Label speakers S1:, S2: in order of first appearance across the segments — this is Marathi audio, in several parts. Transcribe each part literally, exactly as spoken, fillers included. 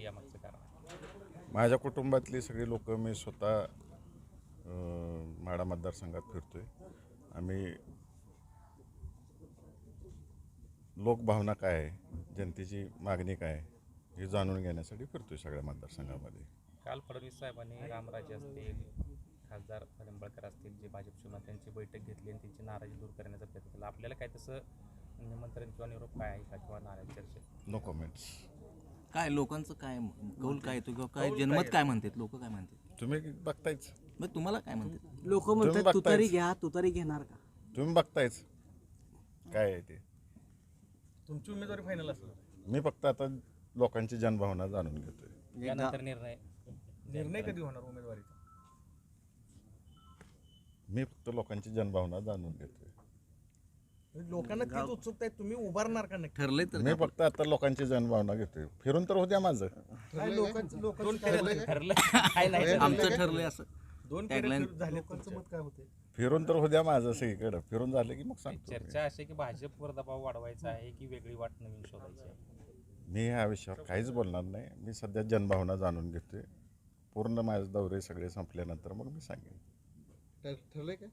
S1: यामागचं कारण आहे?
S2: माझ्या कुटुंबातली सगळी लोक मी स्वतः अं, माढा मतदारसंघात फिरतोय. आम्ही लोकभावना काय आहे, जनतेची मागणी काय आहे हे जाणून घेण्यासाठी फिरतोय सगळ्या मतदारसंघामध्ये.
S1: काल फडणवीस साहेबांनी रामराजे असतील, खासदार निंबाळकर असतील, जे भाजप शिवसेना त्यांची बैठक घेतली आणि त्यांची नाराजी दूर करण्याचा प्रयत्न केला. आपल्याला काय तसं निमंत्रण किंवा निरोप काय आहे का किंवा नाराजी चर्चेत?
S2: No comments.
S3: काय लोकांचं काय कौल काय येतो किंवा काय जनमत काय म्हणतात, लोक काय म्हणतात?
S2: तुम्ही बघतायच,
S3: मग तुम्हाला काय म्हणतात?
S4: लोक
S2: तुम्ही
S4: म्हणतात तुतारी
S2: बघतायच.
S4: घ्या, तुतारी घेणार का?
S2: तुम्ही बघतायच काय आहे ते.
S5: तुमची उमेदवारी फायनल असेल.
S2: मी फक्त आता लोकांची जनभावना जाणून घेतोय.
S1: त्यानंतर निर्णय
S5: निर्णय कधी होणार उमेदवारीचा?
S2: मी फक्त लोकांची जनभावना जाणून घेतोय.
S5: लोकांना तीच उत्सुकता आहे, तुम्ही उभारणार का नक्की?
S3: ठरलंय तर
S2: मी फक्त आता लोकांची जनभावना घेतोय. फिरून तर होत्या माझं.
S5: काय लोकांचं लोकांचं
S1: ठरलं काय नाही
S3: आमचं ठरलंय असं
S5: दोन
S3: Tagline.
S5: फेरे झाले. लोकांचं मत काय होते?
S2: फिरून तर होत्या माझं सगळीकडं. फिरून झालं की मग सांगतो.
S1: चर्चा अशी आहे की भाजपवर दबाव वाढवायचा आहे की वेगळी वाट नवीन शोधायची आहे?
S2: मी ह्या विषयावर काहीच बोलणार नाही. मी सध्या जनभावना जाणून घेतोय. पूर्ण माझे दौरे सगळे संपल्यानंतर मग मी सांगेन.
S5: ठरलंय का?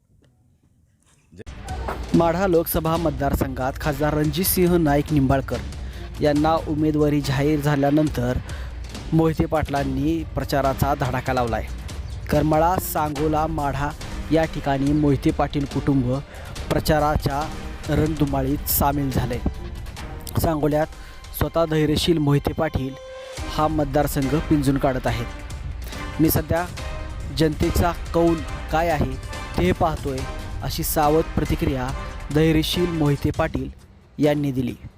S4: माढा लोकसभा मतदारसंघात खासदार रणजितसिंह नाईक निंबाळकर यांना उमेदवारी जाहीर झाल्यानंतर मोहिते पाटलांनी प्रचाराचा धडाका लावला आहे. करमाळा, सांगोला, माढा या ठिकाणी मोहिते पाटील कुटुंब प्रचाराच्या रणधुमाळीत सामील झाले. सांगोल्यात स्वतः धैर्यशील मोहिते पाटील हा मतदारसंघ पिंजून काढत आहेत. मी सध्या जनतेचा कौल काय आहे ते पाहतोय, अशी सावध प्रतिक्रिया धैर्यशील मोहिते पाटील यांनी दिली.